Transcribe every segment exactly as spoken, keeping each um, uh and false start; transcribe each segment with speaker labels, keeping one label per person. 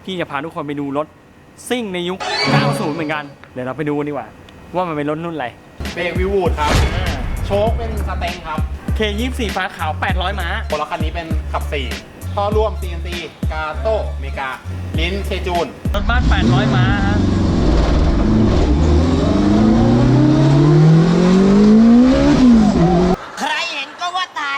Speaker 1: พี่จะพาทุกคนไปดูรถซิ่งในยุค เก้าสิบ เหมือนกันเดี๋ยวเราไปดูดีกว่าว่ามันเป็นรถรุ่นอะไร
Speaker 2: เบรกวิวูดครับโชคเป็นสเต็งครับ
Speaker 1: เค ยี่สิบสี่ ฟ้าขาวแปดร้อยม้า
Speaker 2: คนละคันนี้เป็นขับสี่ท่อร่วม ซี เอ็น ซี กาโต้เมกาลิ้นเชจูน
Speaker 1: รถบ้านแปดร้อยม้าฮะ
Speaker 3: ใครเห็นก็ว่าตาย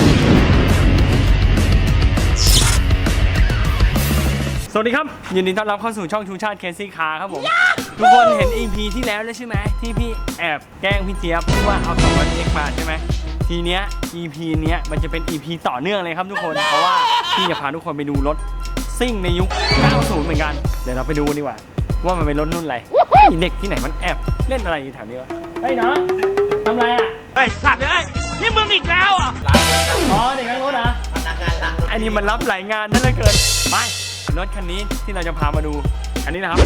Speaker 1: สวัสดีครับยินดีต้อนรับเข้าสู่ช่องชูชาติเคซี่คาร์ครับผมทุกคนเห็น อี พี ที่แล้วแล้วใช่ไหมที่พี่แอบแกล้งพี่เจี๊ยบที่ว่าเอาสองร้อยเอ็กซ์มาใช่ไหมทีเนี้ย อี พี เนี้ยมันจะเป็น อี พี ต่อเนื่องเลยครับทุกคนเพราะว่าพี่จะพาทุกคนไปดูรถซิ่งในยุค เก้าสิบ เหมือนกันเดี๋ยวเราไปดูดีกว่าว่ามันเป็นรถรุ่นอะไรเด็กที่ไหนมันแอบเล่นอะไรอยู่แถวนี้วะเฮ้ยน้องทำไรอ่ะ
Speaker 3: ไอ้สัตว์เลยนี่มึงอีกแล้วอ่ะ
Speaker 1: อ๋อเด็กข้างรถนะอันนี้มันรับหลายงานนั่นเลยเกินไปรถคันนี้ที่เราจะพามาดูอันนี้นะครับ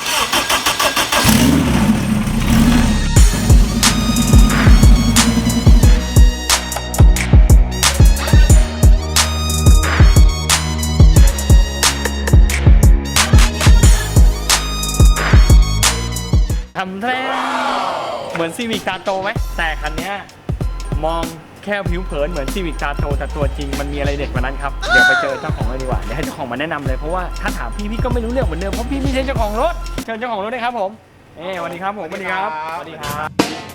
Speaker 1: ทำแท้เหมือนซีวิกตาโตไหมแต่คันนี้มองแค่ผิวเผินเหมือนซีวิกตาโตแต่ตัวจริงมันมีอะไรเด็ดกว่านั้นครับเดี๋ยวไปเจอเจ้าของเลยดีกว่าเดี๋ยวให้เจ้าของมาแนะนำเลยเพราะว่าถ้าถามพี่พี่ก็ไม่รู้เรื่องเหมือนเดิมเพราะพี่ไม่ใช่เจ้าของรถเชิญเจ้าของรถเลยครับผมเอ้สวัสดีครับผมสวัสดีครับสวัสดีครับ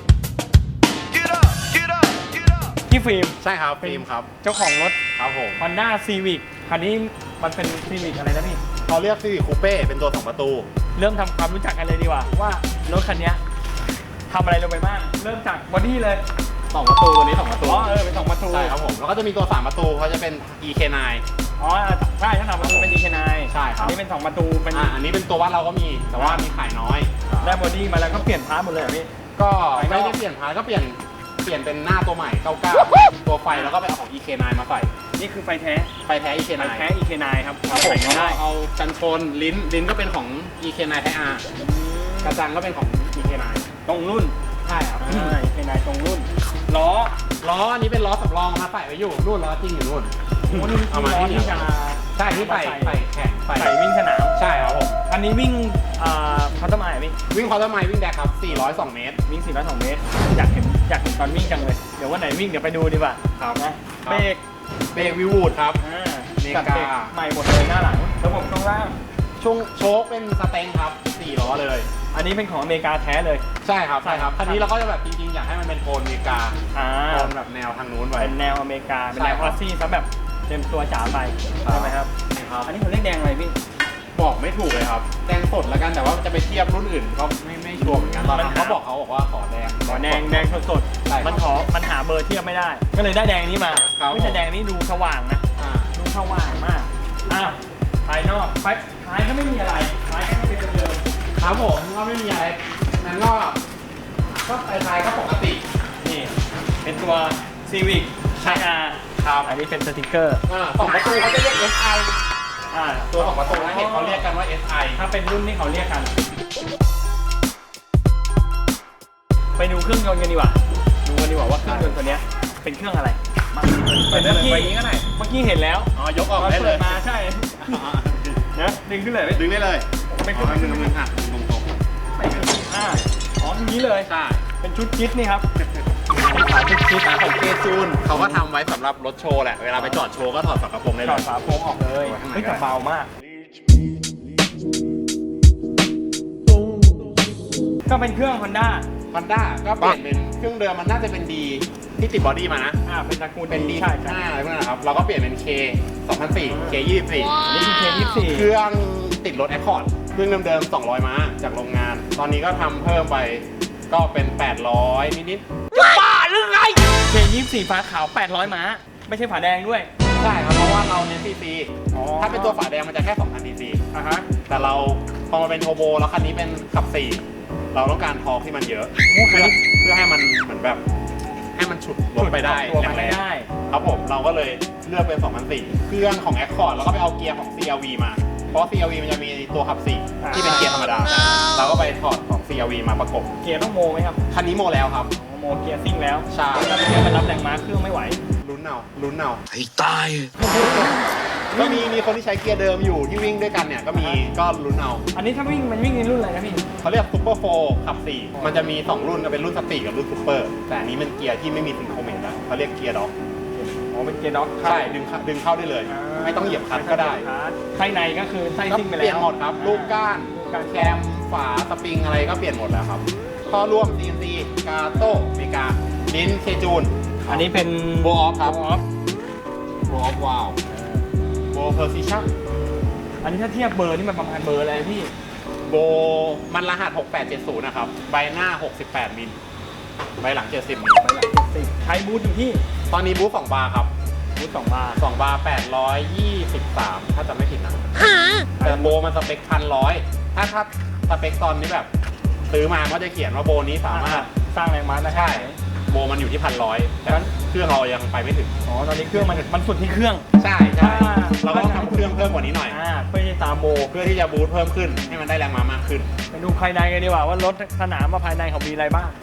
Speaker 1: พี่ฟิล์ม
Speaker 2: ใช่ครับฟิล์มครับ
Speaker 1: เจ้าของรถ
Speaker 2: ครับผม
Speaker 1: Honda Civic คันนี้มันเป็น Civic อะไรนะพี่
Speaker 2: เขาเรียก Civic Coupe เป็นตัวสองประตู
Speaker 1: เริ่มทำความรู้จักกันเลยดีกว่าว่ารถคันนี้ทำอะไรลงไปบ้างเริ่มจากบอดี้เลย
Speaker 2: สองประตูตัวนี้สองประตู
Speaker 1: อ๋อเออเป็นสองประตู
Speaker 2: ใช่ครับผมแล้วก็จะมีตัวสามประตูเขาจะเป็น อี เค ไนน์
Speaker 1: อ๋อใช่ถ้าสามประตูเป็น อี เค ไนน์
Speaker 2: ใช่ครับ
Speaker 1: อันนี้เป็นสองประตูเป็น
Speaker 2: อ่าอันนี้เป็นตัววัดเราก็มีแต่ว่ามีขายน้อย
Speaker 1: ได้บอดี้มาแล้วก็เปลี่ยนพาร์ทหมดเลยเหรอพี่
Speaker 2: ก็ไม่ได้เปลี่ยนพาร์ทก็เปลี่ยนเปลี่ยนเป็นหน้าตัวใหม่เก้าสิบเก้าตัวไฟแล้วก็ไปเอาของ อี เค ไนน์ มาใส่
Speaker 1: นี่คือไฟแท้
Speaker 2: ไฟแท้ อี เค ไนน์
Speaker 1: ไฟแท้ อี เค ไนน์ ครับ
Speaker 2: ครับผมแล้วก็เอากันชนลิ้นลิ้นก็เป็นของ อี เค ไนน์ ไทย อาร์ กระจังก็เป็นของ อี เค ไนน์
Speaker 1: ตรงรุ่น
Speaker 2: ใช่ครับ
Speaker 1: อี เค ไนน์ ตรงรุ่นล้อ
Speaker 2: ล้ออันนี้เป็นล้อสำรองมาใส่ไว้อยู่นู่นล้อจริงอยู่นู่น
Speaker 1: เอามาที่จะ
Speaker 2: ใช่ที่ใส่ใส่แข่ง
Speaker 1: ใส่วิ่งสนาม
Speaker 2: ใช่ครับผม
Speaker 1: อันนี้วิ่งพัฒนาไหมพี่
Speaker 2: วิ่งพัฒนาวิ่งแดกครับสี่ร้อยสองเมตร
Speaker 1: วิ่งสี่ร้อยสองเมตรอยากเห็นอยากเห็นตอนวิ่งจังเลยเดี๋ยววันไหนวิ่งเดี๋ยวไปดูดีกว่า
Speaker 2: ครับ
Speaker 1: นะเบรก
Speaker 2: เบรกวิวูดครับ
Speaker 1: เมกาใหม่หมดเลยหน้าหลังระบบช่วงล่าง
Speaker 2: ช่วงโชคเป็นสเต็งครับสี่ล้อเลย
Speaker 1: อันนี้เป็นของอเมริกาแท้เลย
Speaker 2: ใช่ครับใช่ครับคันนี้เราก็จะแบบจริงๆอยากให้มันเป็นโทนอเมริกาโทนแบบแนวทางนู้นไป
Speaker 1: เป็นแนวอเมริกาเป็นแนวออสซี่ซะแบบเต็มตัวจ๋าไปใช่ไหมครับอันนี้เขาเรียกแดงอะไรพี่
Speaker 2: บอกไม่ถูกเลยครับแดงสดแล้วกันแต่ว่าจะไปเทียบรุ่นอื่นก็ไม่ไม่ชัวร์เหมือนกันตอนนั้นเขาบอกเขาบอกว่าขอแดง
Speaker 1: ขอแดงแดงสดๆมันขอมันหาเบอร์เทียบไม่ได้ก็เลยได้แดงนี้มาไม่ใช่แดงนี้ดูสว่างนะดูสว่างมากอ่ะภายนอกไฟท้ายก็ไม่มีอะไรท้ายก็เป็นเดิม
Speaker 2: ครับผมก็ไม่มีอะไรนั่นก็ก็ไฟท้ายก็ปกติ
Speaker 1: นี่เป็นตัว Civic ไทย อาร์
Speaker 2: ครับ
Speaker 1: อันนี้เป็นสติกเกอร์
Speaker 2: สองประตูเขาจะเรียก เอส ไอ อ่าตัวสองประตูนะเห็นเขาเรียกกันว่า เอส ไอ
Speaker 1: ถ้าเป็นรุ่นที่เขาเรียกกันไปดูเครื่องยนต์กันดีกว่าดูกันดีกว่าว่าเครื่องยนต์ตัวนี้เป็นเครื่องอะไรมา
Speaker 2: เปิดได้เลยไปนี้ก็ได้
Speaker 1: เมื่อกี้เห็นแล้ว
Speaker 2: อ๋อยกออกได้เลย
Speaker 1: มาใช่นะดึงขึ้นเลย
Speaker 2: ดึงได้เลย
Speaker 1: ไม่
Speaker 2: ขึ้นมือมือหักตรงตรง
Speaker 1: ไม่ขึ้นอ่าอ๋ออย่างนี้เลย
Speaker 2: ใช่
Speaker 1: เป็นชุดจิ๊ดนี่ครับ
Speaker 2: ขายชุดจิ๊ดของเกจูนเขาก็ทำไว้สำหรับรถโชว์แหละเวลาไปจอดโชว์ก็ถอดฝากระโปรงได้เลย
Speaker 1: ถอดฝาโปรงออกเลยเฮ้ยแต่เบามากก็เป็นเครื่อง Honda
Speaker 2: Honda ก็เปลี่ยนเป็นเครื่องเดิมมันน่าจะเป็นดีที่ติดบอดี้มานะ
Speaker 1: อ่าเป็นตระกูล
Speaker 2: เป็นดีใช่ใช่อะไรพวกนั้นครับเราก็เปลี่ยนเป็น K สองพันสี่ เค ยี่สิบสี่
Speaker 1: นี่คือ เค ยี่สิบสี่
Speaker 2: เครื่องติดรถ Accord เครื่องเดิมๆสองร้อยม้าจากโรงงานตอนนี้ก็ทำเพิ่มไปก็เป็นแปดร้อยนิด
Speaker 3: ๆจะบ้าหรือไง
Speaker 1: เค ยี่สิบสี่ ฟ้าขาวแปดร้อยม้าไม่ใช่ฝาแดงด้วย
Speaker 2: ใช่ครับเพราะว่าเราเน้นซีซีถ้าเป็นตัวฝาแดงมันจะแค่สองพันซีซี
Speaker 1: อ่ะฮะ
Speaker 2: แต่เราพอมาเป็นโทโบแล้วคันนี้เป็นขับสี่เราต้องการทอร์คที่มันเยอะเพื่อเพื่อให้มันเหมือนแบบให้มันฉุดรถไปได้
Speaker 1: แรงๆ
Speaker 2: ครับผมเราก็เลยเลือกเป็นสองพันสี่เครื่องของ Accord แล้วก็ไปเอาเกียร์ของ ซี อาร์ วี มาเพราะ ซี อาร์ วี มันจะมีตัวขับสี่ที่เป็นเกียร์ธรรมดาเราก็ไปถอดของ ซี อาร์ วี มาประกบ
Speaker 1: เกียร์ต้องโมไหมครับ
Speaker 2: คันนี้โมแล้วครับ
Speaker 1: โมเกียร์ซิ่งแล้ว
Speaker 2: ใช่
Speaker 1: ถ้าเกียร์มันรับแรงม้าเครื่องไม่ไหว
Speaker 2: ลุ้นเอาลุ้นเอา
Speaker 3: ให้ตาย
Speaker 2: ก็มีมีคนที่ใช้เกียร์เดิมอยู่ที่วิ่งด้วยกันเนี่ยก็มีก็ลุ้นเอา
Speaker 1: อันนี้ถ้าวิ่งมันวิ่งในรุ่นอะไรนะพี่
Speaker 2: เขาเรียกซูเปอร์โฟร์ขับสี่มันจะมีสองรุ่นเป็นรุ่นสตรีทกับรุ่นซูเปอร์แต่อันนี้มันเกียร์ที่ไม่มีซิงโครเมตนะเขาเรียกเกียร์ด็อก
Speaker 1: อ๋อเป็นเกียร์ด็อก
Speaker 2: ใช่ดึงเข้าดึงเข้าได้เลย ไม่ต้องเหยียบคลัตช์ก็ได้
Speaker 1: ไส้ในก็คือไส้
Speaker 2: ก็
Speaker 1: ซิ่งไปแล้ว
Speaker 2: เปลี่ยนหมดครับลูกก้าน
Speaker 1: การ
Speaker 2: แคมฝาสปริงอะไรก็เปลี่ยนหมดแล้วครับข้อร่วม ซี เอ็น ซี กาโต้อเมริกาลิ้นเคจูน
Speaker 1: อันนี้เป็น
Speaker 2: โบออฟครับ
Speaker 1: โบออฟ
Speaker 2: โบออฟวาวโบเพอร์ซิชั่น
Speaker 1: อันนี้ถ้าเทียบเบอร์นี่มันประมาณเบอร์อะไรพี่
Speaker 2: โบมันรหัสหกแปดเจ็ดศูนย์นะครับใบหน้าหกสิบแปดมิลใบหลังเจ็ดสิบมิล
Speaker 1: ไปหลักเจ็ดสิบใช้บูทอยู่ที่
Speaker 2: ตอนนี้บูธสองบาร์ครับ
Speaker 1: บูทสองบาร์
Speaker 2: สองบาร์แปดร้อยยี่สิบสามถ้าจำไม่ผิดนะแต่โบมันสเปคพันร้อยถ้าถ้าสเปคตอนนี้แบบซื้อมาก็จะเขียนว่าโบนี้สามารถ
Speaker 1: สร้างแรงม้าได้
Speaker 2: ใช่โบมันอยู่ที่พันร้อยแต่เครื่องเรายังไปไม่ถึง
Speaker 1: อ๋อตอนนี้เครื่องมันมันสุดที่เครื่อง
Speaker 2: ใช่ใช่เราก็ต้องทำเครื่องเพิ่มกว่านี้หน่อย
Speaker 1: อ่าเพื่อที่จะตามโบ
Speaker 2: เพื่อที่จะบูทเพิ่มขึ้นให้มันได้แรงม้ามากขึ้น
Speaker 1: ไปดูภายในกันดีกว่าว่ารถสนามว่าภายในเขามีอะไรบ้าง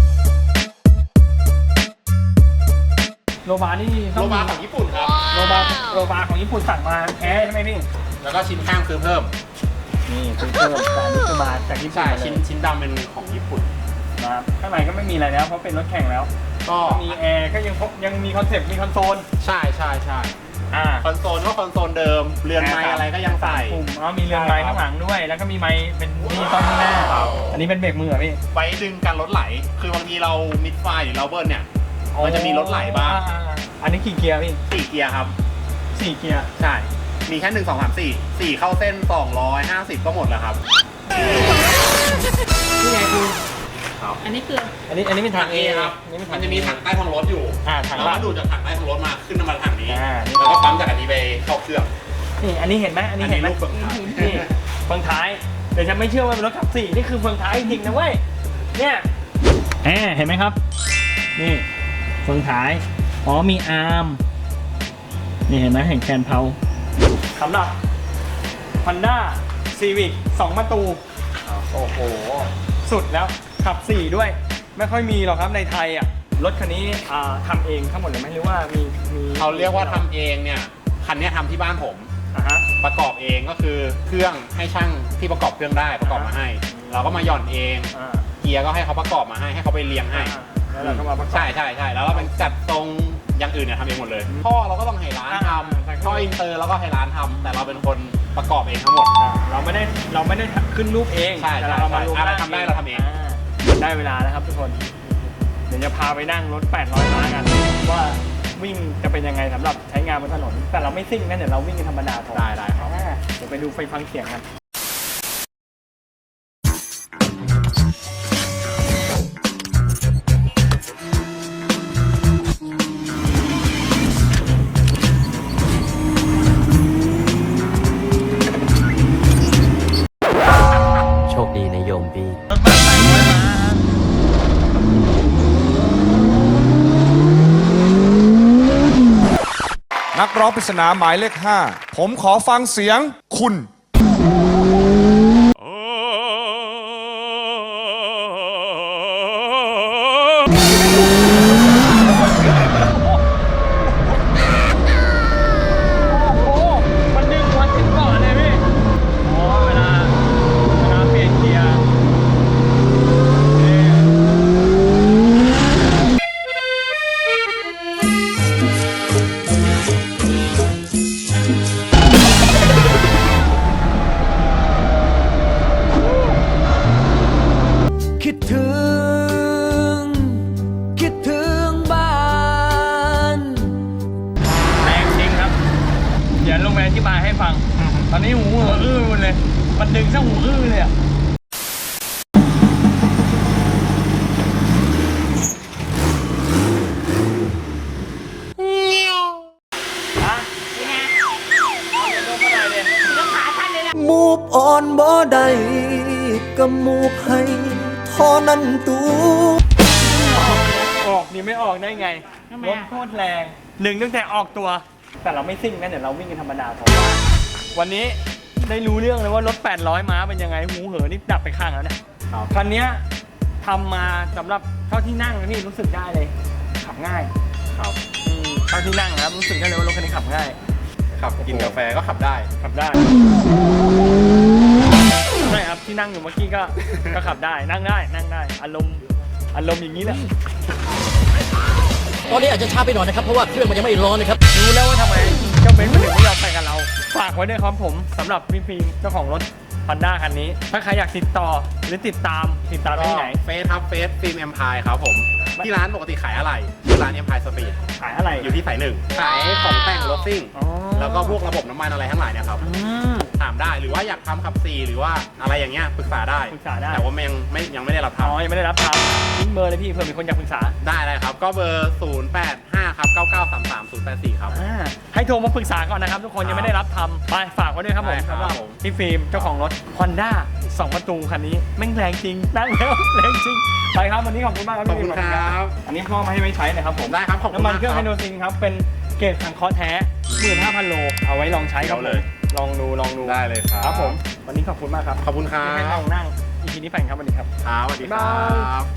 Speaker 1: โลบาร์นี่
Speaker 2: โลบาร์ของญี่ปุ่นครับ
Speaker 1: โลบาร์โลบาร์ของญี่ปุ่นสั่งมาแท้ใช่ไหมพี่
Speaker 2: แล้วก็ชิ้นข้างซื้อเพิ่ม
Speaker 1: นี่ซื้อเพิ่มแต่อันนี้คือมาจากญี่ปุ่น
Speaker 2: ใช่
Speaker 1: มาเลย
Speaker 2: ชิ้นชิ้นดำเป็นของญี่ปุ่น
Speaker 1: นะครับข้างในก็ไม่มีอะไรแล้วเพราะเป็นรถแข่งแล้ว
Speaker 2: ก็
Speaker 1: มีแอร์ก็ยังพบยังมีคอนเซปต์มีคอนโซล
Speaker 2: ใช่ใช่ใช่
Speaker 1: อ่า
Speaker 2: คอนโซลก็คอนโซลเดิมเรือนไม้อะไรก็ยังใส่
Speaker 1: ปุ่มอ๋อมีเรือนไม้ข้างหลังด้วย แล้วก็มีไม้เป็นนี่ต้นข้างหน้า
Speaker 2: ครับ
Speaker 1: อันนี้เป็นเบรกมือเหรอพี่
Speaker 2: ไว้ดึงกันรถไหล คือบางทีเรามิดไฟหรือเราเบิ้ลเนี่ยมันจะมีรถไหลบ้าง
Speaker 1: อ่อ่อันนี้กี่เกียร์พี่
Speaker 2: สี่เกียร์ครับ
Speaker 1: สี่เกียร์
Speaker 2: ใช่ มีแค่หนึ่งสองสามสี่สี่เข้าเส้นสองร้อยห้าสิบก็หมดแล้วครับ
Speaker 1: นี่ไงคุณ
Speaker 2: ครับ
Speaker 3: อันนี้คือ
Speaker 1: อันนี้อันนี้เป็นถัง
Speaker 2: เอ
Speaker 1: เอ
Speaker 2: ครับ
Speaker 1: อันนี้เป็นถั
Speaker 2: มั
Speaker 1: ง
Speaker 2: นจะมีถังใต้ท้องรถอยู่
Speaker 1: อ่าถัง
Speaker 2: เราก็ดูดจากถังใต้ท้องรถมาขึ้นมาถังนี้
Speaker 1: อ่า
Speaker 2: แล้วก็ปั๊มจากอันนี้ไปเข้าเครื่อง
Speaker 1: นี่อันนี้เห็นไหมอันนี้เห็นไหม
Speaker 2: อันนี้ลูกเฟืองท้าย
Speaker 1: นี่เฟืองท้ายเดี๋ยวฉันไม่เชื่อว่าเป็นรถขับสี่นี่คือเฟืองท้ายจริงนะเว้ยเนี่ยแอบเห็นไหมครับนี่เฟืองท้ายอ๋อมีอาร์มนี่เห็นไหมเห็นแคนเพาสำหรับ Honda Civic สองประตูโอ้โหสุดแล้วขับสี่ด้วยไม่ค่อยมีหรอกครับในไทยอ่ะรถคันนี้อ่าทำเองทั้งหมดเลยไหมหรือว่ามีมี
Speaker 2: เขาเรียกว่าทำเองเนี่ยคันเนี้ยทำที่บ้านผม
Speaker 1: อ่าฮะ
Speaker 2: ประกอบเองก็คือเครื่องให้ช่างที่ประกอบเครื่องได้ประกอบมาให้ เราก็มาหย่อนเอง
Speaker 1: อ่า
Speaker 2: เกียร์ก็ให้เขาประกอบมาให้ให้เขาไปเรียงให้
Speaker 1: แล้วเราก็มาประกอบ
Speaker 2: ใช่ใช่ใช่แล้วเราเป็นจัดตรงอย่างอื่นเนี่ยทำเองหมดเลย
Speaker 1: อืม
Speaker 2: ท่อเราก็ต้องให้ร้านท
Speaker 1: อ่า
Speaker 2: ำท่ออินเตอร์เราก็ให้ร้านทำแต่เราเป็นคนประกอบเองทั้งหมด
Speaker 1: อ่าเราไม่ได้เราไม่ได้ขึ้นรูปเอง
Speaker 2: ใช่
Speaker 1: แต่เราเอามา
Speaker 2: ใช่
Speaker 1: รวม
Speaker 2: อะไรทำได้เราทำเอง
Speaker 1: ได้เวลาแล้วครับทุกคน เดี๋ยวจะพาไปนั่งรถแปดร้อยม้ากันว่าวิ่งจะเป็นยังไงสำหรับใช้งานบนถนน แต่เราไม่ซิ่งนะเดี๋ยวเราวิ่งกันธรรมดาพอ
Speaker 2: ได้ได้ครับ
Speaker 1: อ่าเดี๋ยวไปดูไฟฟังเสียงกัน
Speaker 4: โชคดีนะโยมพี่
Speaker 1: รถบัสแปดร้อยม้า
Speaker 5: นักร้องปริศนาหมายเลขห้าผมขอฟังเสียงคุณ
Speaker 1: โอ้มันดึงวันถึงก่อนเลยพี่อ๋อเวลาเวลาเปลี่ยนเกียร์นี่
Speaker 6: คิดถึง คิดถึงบ้าน
Speaker 1: แรงจริงครับ เดี๋ยวลงไปอธิบายให้ฟัง ตอนนี้หูเหออื้อหมดเลย มันดึงซะหูอื้อเลยอ่ะฮะเอาเดี๋ยวลงมาหน่อยดิ
Speaker 3: ก็ขาท่านเลยแหละ
Speaker 6: มูฟออนบ่ได้ก็มูฟให้เท่านั้นตู
Speaker 1: ออกนี่ไม่ออกได้ไง
Speaker 3: ทำไม
Speaker 1: รถ
Speaker 3: อะ
Speaker 1: โคตรแรงหนึ่งตั้งแต่ออกตัว แต่เราไม่ซิ่งนะเดี๋ยวเราวิ่งกันธรรมดาพอวันนี้ได้รู้เรื่องเลยว่ารถแปดร้อยม้าเป็นยังไงหูเหอนี่ดับไปข้างแล้วเนี่ย
Speaker 2: ครับ
Speaker 1: คันเนี้ยทำมาสำหรับเท่าที่นั่งนะพี่รู้สึกได้เลย ขับง่าย
Speaker 2: ครับ
Speaker 1: อืมเท่าที่นั่งนะครับรู้สึกได้เลยว่ารถคันนี้ขับง่าย
Speaker 2: ขับกินกาแฟก็ขับได้
Speaker 1: ขับได้ใช่ครับที่นั่งอยู่เมื่อกี้ก็ก็ขับได้นั่งได้นั่งได้อารมณ์อารมณ์อย่างนี้แหละ
Speaker 7: ตอนนี้อาจจะช้าไปหน่อยนะครับ เพราะว่าเครื่องมันยังไม่ร้อนนะครับ
Speaker 1: รู้แล้วว่าทำไมเจ้าเบนซ์มันถึงไม่ยอมไปกับเรา ฝากไว้ด้วยครับผมสำหรับพี่ฟิล์มเจ้าของรถ Honda คันนี้ ถ้าใครอยากติดต่อหรือติดตามติดตามได้ที่ไหน
Speaker 2: เฟสครับเฟสฟิล์มเอ็มพายครับผม ที่ร้านปกติขายอะไรที่ร้านเอ็มพายสปีด
Speaker 1: ขายอะไร
Speaker 2: อยู่ที่สายหนึ่งขายของแต่งรถซิ่ง
Speaker 1: อ๋อ
Speaker 2: แล้วก็พวกระบบน้ำมันอะไรทั้งหลายเนี่ยครับ
Speaker 1: อืม
Speaker 2: ถามได้หรือว่าอยากทำขับซีหรือว่าอะไรอย่างเงี้ยปรึกษาได้
Speaker 1: ปรึกษาได้
Speaker 2: แต่ว่ายังไม่ยังไม่ได้รับ
Speaker 1: อ๋อ
Speaker 2: ทำ
Speaker 1: ยังไม่ได้รับทำทิ้งเบอร์เลยพี่เผื่อมีคนอยากปรึกษา
Speaker 2: ได้เลยครับ ก็เบอร์ ศูนย์ แปด ห้า ครับ เก้า เก้า สาม สาม ศูนย์ แปด สี่ ครับ
Speaker 1: อ่าให้โทรมาปรึกษาก่อนนะครับ ทุกคนยังไม่ได้รับทำไปฝากไว้ด้วยครับผม
Speaker 2: ได้ครับ
Speaker 1: สำหรับ
Speaker 2: ผม
Speaker 1: พี่ฟิล์มเจ้าของรถ Honda สองประตูคันนี้แม่งแรงจริงนั่งแล้วแรงจริงไปครับวันนี้ขอบคุณมากครับ
Speaker 2: ขอบ
Speaker 1: พี่
Speaker 2: คุ
Speaker 1: ฟิ
Speaker 2: ณ
Speaker 1: ล์ม
Speaker 2: ครับ
Speaker 1: อันนี้พ่อมาให้ไว้ใช้นะครับผม
Speaker 2: ได้ครับขอบคุณ
Speaker 1: น้ำมัน
Speaker 2: มาก
Speaker 1: เครื่อง
Speaker 2: ค
Speaker 1: ไฮ
Speaker 2: รับ
Speaker 1: โดรซินครับเป็นเกรดสังเคราะห์แท้ หมื่นห้าพัน โลเอาไว้ลองใช้ครับ
Speaker 2: เดี๋ยวเลย
Speaker 1: ลองดูลองดู
Speaker 2: ได้เลยครับ
Speaker 1: ครับผมวันนี้ขอบคุณมากครับ
Speaker 2: ขอบคุณครั
Speaker 1: ที่ให้
Speaker 2: บ
Speaker 1: ลองนั่งอีพีนี้แฟนครับวันนี้ครับ
Speaker 2: ครับสวัสดีครั
Speaker 1: บ๊ายบาย
Speaker 2: บ